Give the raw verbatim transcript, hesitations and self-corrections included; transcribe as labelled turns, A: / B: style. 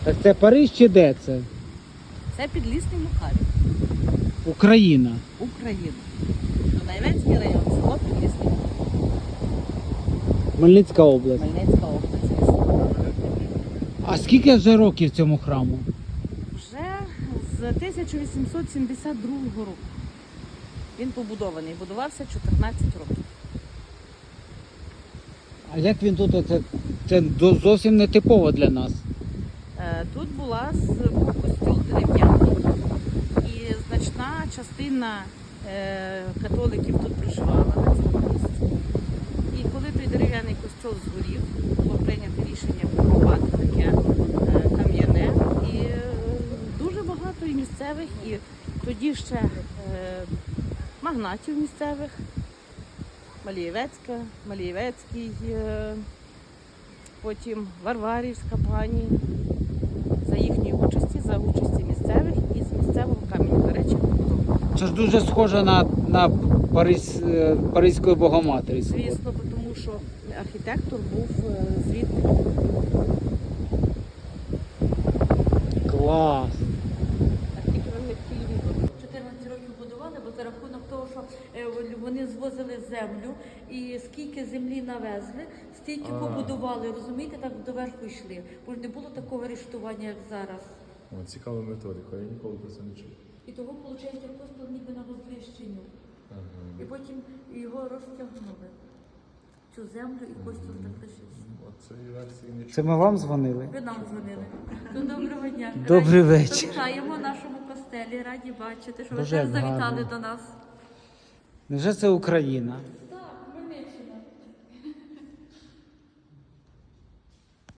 A: А це Париж чи де це?
B: Це Підлісний Мухарів,
A: Україна.
B: Україна. Донецький район, село Підлісний Мухарів.
A: Хмельницька область.
B: Хмельницька область, звісно.
A: А скільки вже років цьому храму?
B: Вже з тисяча вісімсот сімдесят другого року. Він побудований, будувався чотирнадцять років.
A: А як він тут? Це, це до- зовсім не типово для нас.
B: Е, Тут була з- був костюл дерев'яний, і значна частина е, католиків тут проживала на цьому місці. І коли той дерев'яний костюл згорів, було прийнято рішення побудувати таке е, кам'яне. І е, дуже багато і місцевих, і тоді ще е, магнатів місцевих, Малієвецька, Малієвецький, е, потім Варварівська пані, за їхньої участі, за участі місцевих і з місцевого каменю, до речі, побудовано.
A: Це ж дуже схоже на, на Паризь, е, Паризької Богоматері.
B: Звісно, тому що архітектор був е, звідти.
A: Клас!
C: чотирнадцять років будували, бо за рахунок того, що е, вони звозили землю і скільки землі навезли, стільки
D: А.
C: побудували, розумієте, так доверху йшли. Бо ж не було такого арештування, як зараз.
D: О, цікава методика, я ніколи про це не чув.
C: І того, виходить, просто ніби на розвищенню.
D: Ага.
C: І потім його розтягнули. Цю землю і костюм так лишився.
D: Оцеї версії не чув.
A: Це ми вам дзвонили?
C: Ви нам дзвонили. Ну, доброго дня.
A: Добрий
C: Раді-
A: вечір.
C: Вітаємо в нашому костелі, раді бачити, що ви
A: Дуже
C: теж завітали
A: гарно.
C: до нас.
A: Невже це Україна?